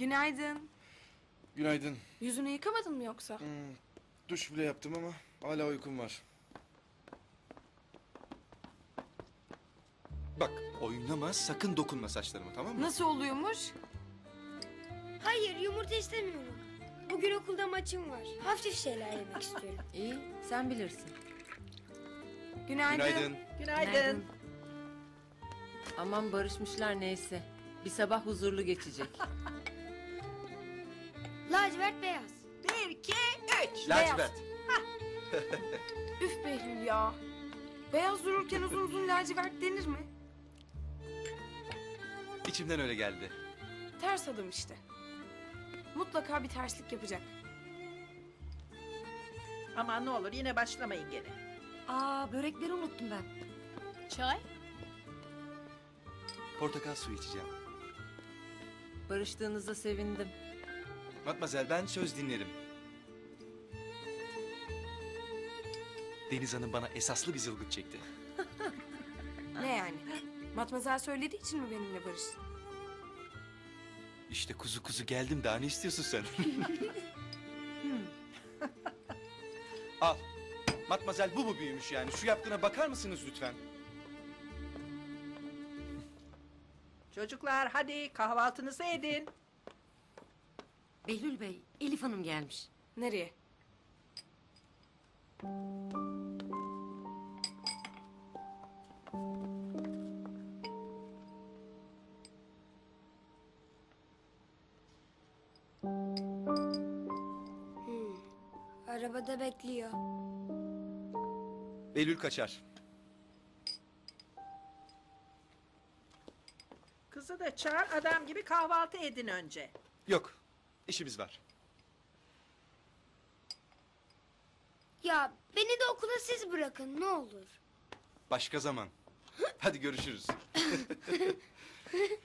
Günaydın. Günaydın. Yüzünü yıkamadın mı yoksa? Duş bile yaptım ama hala uykum var. Bak oynama, sakın dokunma saçlarıma, tamam mı? Nasıl oluyormuş? Hayır, yumurta istemiyorum. Bugün okulda maçım var. Hafif şeyler yemek istiyorum. İyi, sen bilirsin. Günaydın. Günaydın. Günaydın. Aman barışmışlar neyse. Bir sabah huzurlu geçecek. Lacivert beyaz. 1, 2, 3. Lacivert. Üf Behlül ya. Beyaz dururken uzun uzun lacivert denir mi? İçimden öyle geldi. Ters adam işte. Mutlaka bir terslik yapacak. Aman ne olur yine başlamayın gene. Aa, börekleri unuttum ben. Çay? Portakal suyu içeceğim. Barıştığınıza sevindim. Matmazel, ben söz dinlerim. Deniz Hanım bana esaslı bir zılgıt çekti. Ne yani? Matmazel söylediği için mi benimle barıştın? İşte kuzu kuzu geldim, daha ne istiyorsun sen? Al. Matmazel bu mu büyümüş yani? Şu yaptığına bakar mısınız lütfen? Çocuklar hadi kahvaltınızı edin. Behlül Bey, Elif Hanım gelmiş. Nereye? Arabada bekliyor. Behlül kaçar. Kızı da çağır adam gibi kahvaltı edin önce. Yok, işimiz var. Ya beni de okula siz bırakın ne olur. Başka zaman. Hadi görüşürüz.